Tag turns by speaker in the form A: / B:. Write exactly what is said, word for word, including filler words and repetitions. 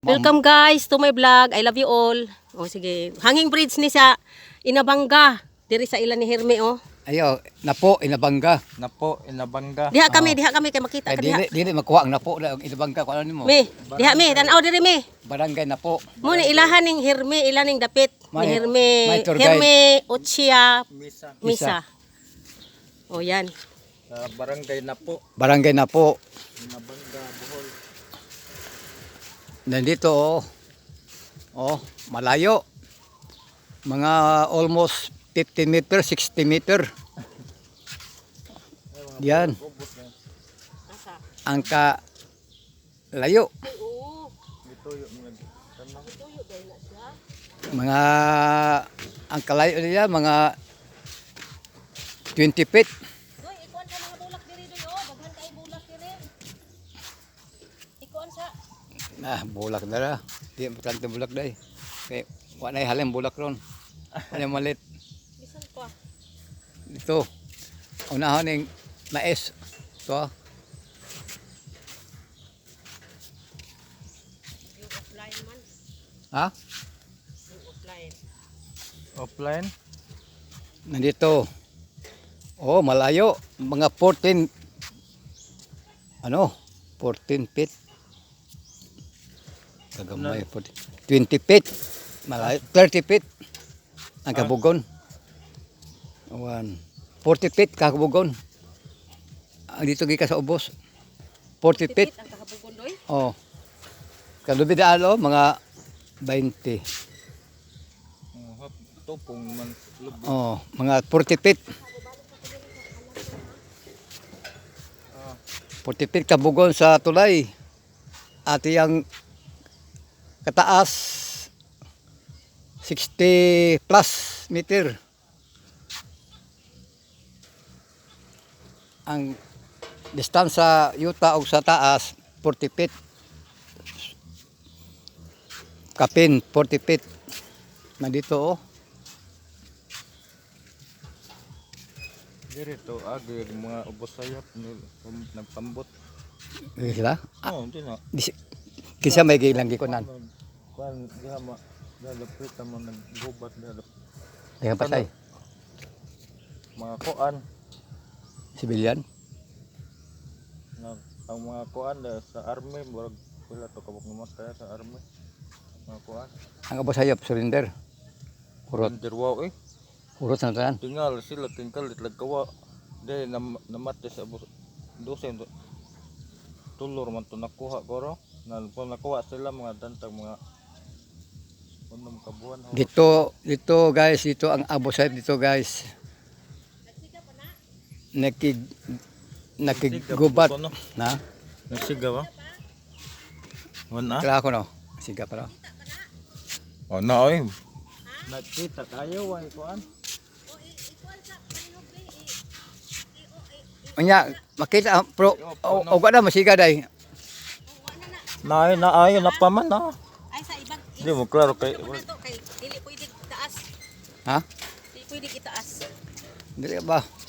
A: Welcome guys to my vlog. I love you all. O sige, hanging bridge ni sa Inabanga. Diri sa ilan ni Herme oh.
B: Ayo, napo Inabanga.
C: Napo Inabanga.
A: Diha kami, diha kami kay makita ka
B: Kay
A: diha.
B: dili dili makuha ang napo na ang Inabanga ko ano nimo.
A: Me, diha me, tan-aw diri me.
B: Barangay Napo.
A: Mo ni ilahan ning Herme, ilan ning dapit ni
B: May-
A: Herme.
B: may tour guide.
A: Herme Ochia
C: Misa
A: Misa. O yan.
C: sa barangay Napo
B: Barangay Napo.
C: Inabanga, Bohol.
B: Nandito oh. Oh, malayo. Mga almost fifty meter, sixty meter. Yan.
A: Asa?
B: Ang ka layo.
A: Oo.
C: Ito yung mga tanong.
A: Tuyo dahil na siya.
B: Mga ang kalayo nila mga twenty feet.
A: Doy, ikuan sa mga bulak diri doy oh, daghan kay bulak diri. Ikuan sa
B: Ah, bulak na ra. Di importante bulak day. Kay wa na halin bulak ron. Ano malit
A: bisan pa.
B: dito. Unahon ning mais. To.
A: Yung offline man,
B: Ha?
A: yung offline.
C: Offline.
B: Nandito. Oh, malayo. Mga fourteen ano? fourteen feet. Kagamay. fourteen, twenty feet. Malayo. thirty feet. Ang kabugon. One. forty feet kabugon. Ang dito gika sa ubos. forty feet.
A: Tipit ang kahabugon doy.
B: Oh. Kalubi daalo mga twenty.
C: Oh, hap tupong man lubog.
B: Oh, mga forty feet. forty feet kabugon sa tulay. At yung kataas sixty plus meter. Ang distance sa yuta o sa taas forty feet. Kapin forty feet. Nandito oh.
C: Dito agi yung mga ubos sayap nil- um, nagpambot.
B: Sila.
C: Oh, hindi na.
B: Dis- Kinsa may gilang gikunan.
C: Kuan diha ma dalapit mo naggubat dalap.
B: Kaya pasay.
C: Mga kuan
B: Civilian.
C: na ang mga kuan da sa army murag wala to kabuk namatay sa army. Mga kuan.
B: Ang abo sayop surrender. Kurot.
C: Dirwa eh.
B: Kurot na tanan.
C: Tingal sila tingkal itlag kawa. Dahil nam namatay sa abos dosen tulor man to nakuha ko ro. Na po nakuha sila mga dantag mga unom kabuan. ho.
B: Dito, dito guys, dito ang abo sayop dito guys. Nakig nakigubat
C: Siga, no?
B: na.
C: Nagsiga ba? Wala.
B: Kala ko no. Siga para.
C: O na oy. Nakita tayo way kuan.
B: Unya, makita ang pro o o gada masiga day.
C: Naay na ay na pa man na.
A: Ay sa ibang
C: Di mo klaro kay
A: Ano to kay dili pwede itaas.
B: Ha?
A: Dili pwede itaas.
B: Dili ba?